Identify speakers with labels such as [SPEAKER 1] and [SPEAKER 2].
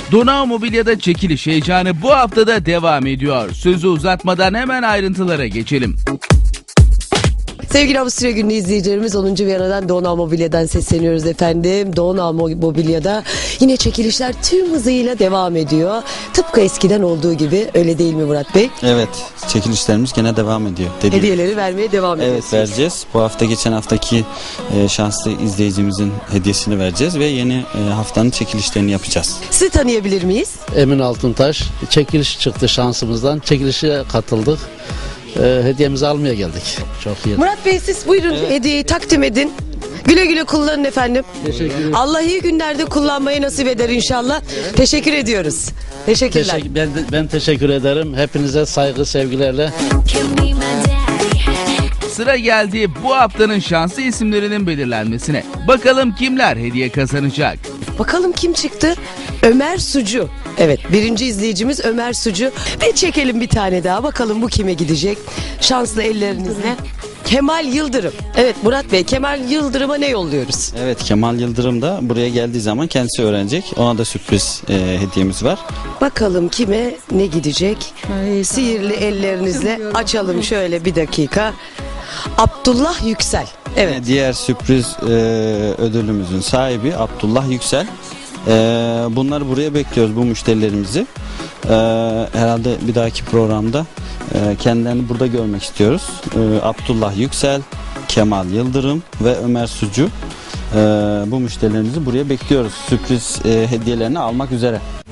[SPEAKER 1] Donau Mobilya'da çekiliş heyecanı bu haftada devam ediyor. Sözü uzatmadan hemen ayrıntılara geçelim.
[SPEAKER 2] Sevgili Avusturya Günü izleyicilerimiz 10. Viyana'dan Donau Mobilya'dan sesleniyoruz efendim. Donau Mobilya'da yine çekilişler tüm hızıyla devam ediyor. Tıpkı eskiden olduğu gibi, öyle değil mi Murat Bey?
[SPEAKER 3] Evet, çekilişlerimiz gene devam ediyor.
[SPEAKER 2] Hediyeleri vermeye devam ediyoruz.
[SPEAKER 3] Evet, vereceğiz. Bu hafta geçen haftaki şanslı izleyicimizin hediyesini vereceğiz ve yeni haftanın çekilişlerini yapacağız.
[SPEAKER 2] Sizi tanıyabilir miyiz?
[SPEAKER 4] Emin Altıntaş, çekiliş çıktı şansımızdan. Çekilişe katıldık. Hediyemizi almaya geldik. Çok iyi.
[SPEAKER 2] Murat Bey, siz buyurun, hediyeyi takdim edin. Güle güle kullanın efendim.
[SPEAKER 4] Teşekkür ederim.
[SPEAKER 2] Allah iyi günlerde kullanmayı nasip eder inşallah. Teşekkür ediyoruz. Teşekkürler.
[SPEAKER 4] Ben teşekkür ederim. Hepinize saygı, sevgilerle.
[SPEAKER 1] Sıra geldi bu haftanın şanslı isimlerinin belirlenmesine. Bakalım kimler hediye kazanacak?
[SPEAKER 2] Bakalım kim çıktı? Ömer Sucu. Evet, birinci izleyicimiz Ömer Sucu. Ve çekelim bir tane daha. Bakalım bu kime gidecek? Şanslı ellerinizle. Kemal Yıldırım. Evet Murat Bey, Kemal Yıldırım'a ne yolluyoruz?
[SPEAKER 3] Evet, Kemal Yıldırım da buraya geldiği zaman kendisi öğrenecek. Ona da sürpriz hediyemiz var.
[SPEAKER 2] Bakalım kime ne gidecek? Sihirli ellerinizle açalım şöyle bir dakika. Abdullah Yüksel. Evet.
[SPEAKER 3] Diğer sürpriz ödülümüzün sahibi Abdullah Yüksel. Bunları buraya bekliyoruz, bu müşterilerimizi. Herhalde bir dahaki programda kendilerini burada görmek istiyoruz. Abdullah Yüksel, Kemal Yıldırım ve Ömer Sucu. Bu müşterilerimizi buraya bekliyoruz. Sürpriz hediyelerini almak üzere.